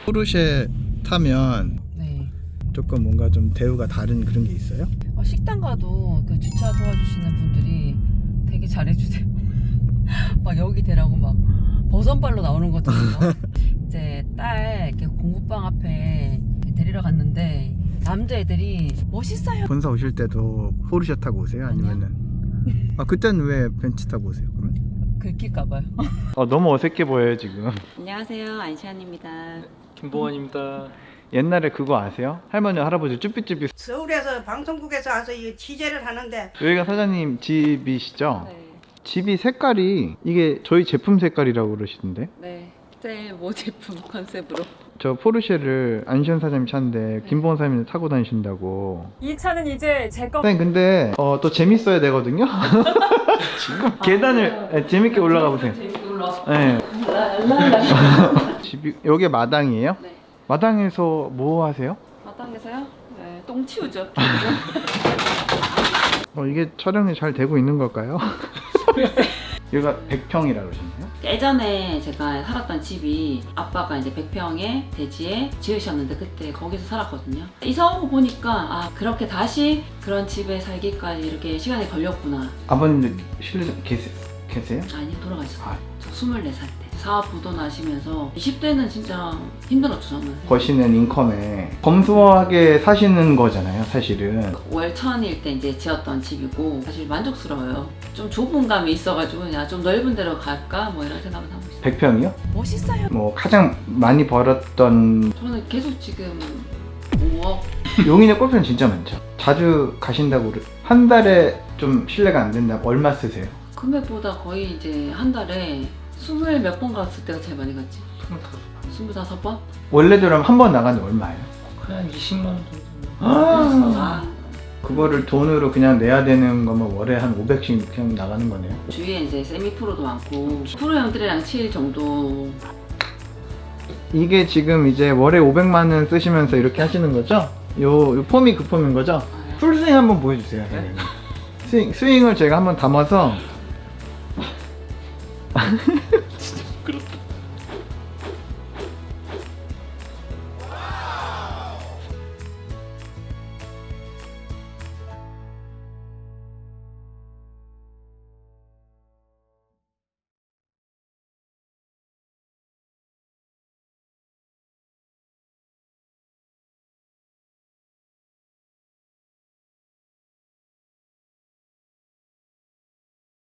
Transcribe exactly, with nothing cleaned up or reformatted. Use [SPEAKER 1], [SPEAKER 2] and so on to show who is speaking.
[SPEAKER 1] 포르쉐 타면
[SPEAKER 2] 네.
[SPEAKER 1] 조금 뭔가 좀 대우가 다른 그런 게 있어요?
[SPEAKER 2] 어, 식당 가도 그 주차 도와주시는 분들이 되게 잘해주세요. 막 여기 대라고 막 버선발로 나오는 것처럼. 이제 딸 이렇게 공부방 앞에 데리러 갔는데 남자애들이 멋있어요.
[SPEAKER 1] 본사 오실 때도 포르쉐 타고 오세요? 아니면은 아 그때는 왜 벤츠 타고 오세요? 그러면?
[SPEAKER 2] 긁힐까봐요.
[SPEAKER 1] 아 너무 어색해 보여요 지금.
[SPEAKER 2] 안녕하세요, 안시안입니다.
[SPEAKER 3] 김보원입니다.
[SPEAKER 1] 옛날에 그거 아세요? 할머니 할아버지 쭈삐쭈삐.
[SPEAKER 4] 서울에서 방송국에서 와서 이 취재를 하는데
[SPEAKER 1] 여기가 사장님 집이시죠?
[SPEAKER 2] 네,
[SPEAKER 1] 집이 색깔이 이게 저희 제품 색깔이라고 그러시던데.
[SPEAKER 2] 네. 제일 모 제품 컨셉으로.
[SPEAKER 1] 저 포르쉐를 안시현 사장님 차인데 김보원 사장님이 타고 다니신다고.
[SPEAKER 5] 이 차는 이제 제 거.
[SPEAKER 1] 사장님 근데 어, 또 재밌어야 되거든요. 지금 계단을 네, 재밌게 올라가 보세요.
[SPEAKER 2] 재밌게 올라와.
[SPEAKER 1] 네. 집이 여기 마당이에요?
[SPEAKER 2] 네.
[SPEAKER 1] 마당에서 뭐 하세요?
[SPEAKER 2] 마당에서요? 네, 똥 치우죠.
[SPEAKER 1] 어, 이게 촬영이 잘 되고 있는 걸까요? 여기가 백 평이라고 그러셨나요?
[SPEAKER 2] 예전에 제가 살았던 집이 아빠가 이제 백 평의 대지에 지으셨는데 그때 거기서 살았거든요. 이사 오고 보니까 아 그렇게 다시 그런 집에 살기까지 이렇게 시간이 걸렸구나.
[SPEAKER 1] 아버님도 실례 계세, 계세요?
[SPEAKER 2] 아니 돌아가셨어요.
[SPEAKER 1] 아.
[SPEAKER 2] 저 스물네 살 때. 사업 부도나시면서 이십 대는 진짜 힘들었죠 저는.
[SPEAKER 1] 버시는 인컴에 검소하게 사시는 거잖아요 사실은.
[SPEAKER 2] 월 천일 때 이제 지었던 집이고 사실 만족스러워요. 좀 좁은 감이 있어가지고 그냥 좀 넓은 데로 갈까 뭐 이런 생각을 하고 있어요.
[SPEAKER 1] 백 평이요?
[SPEAKER 2] 멋있어요.
[SPEAKER 1] 뭐 가장 많이 벌었던
[SPEAKER 2] 저는 계속 지금 오억.
[SPEAKER 1] 용인에 골프는 진짜 많죠. 자주 가신다고 그래. 한 달에 좀 실례가 안 된다. 얼마 쓰세요?
[SPEAKER 2] 금액보다 거의 이제 한 달에 스물 몇 번 갔을 때가 제일 많이 갔지. 스물다섯 번?
[SPEAKER 1] 원래대로 한 번 나가는데 얼마예요?
[SPEAKER 3] 그냥 이십만 원 정도.
[SPEAKER 1] 아, 그거를 돈으로 그냥 내야 되는 거면 월에 한 오백씩 그냥 나가는 거네요.
[SPEAKER 2] 주위에 이제 세미 프로도 많고 프로 형들이랑 칠 정도.
[SPEAKER 1] 이게 지금 이제 월에 오백만 원 쓰시면서 이렇게 하시는 거죠? 요, 요 폼이 그 폼인 거죠? 풀스윙 한번 보여주세요. 네. 스윙, 스윙을 제가 한번 담아서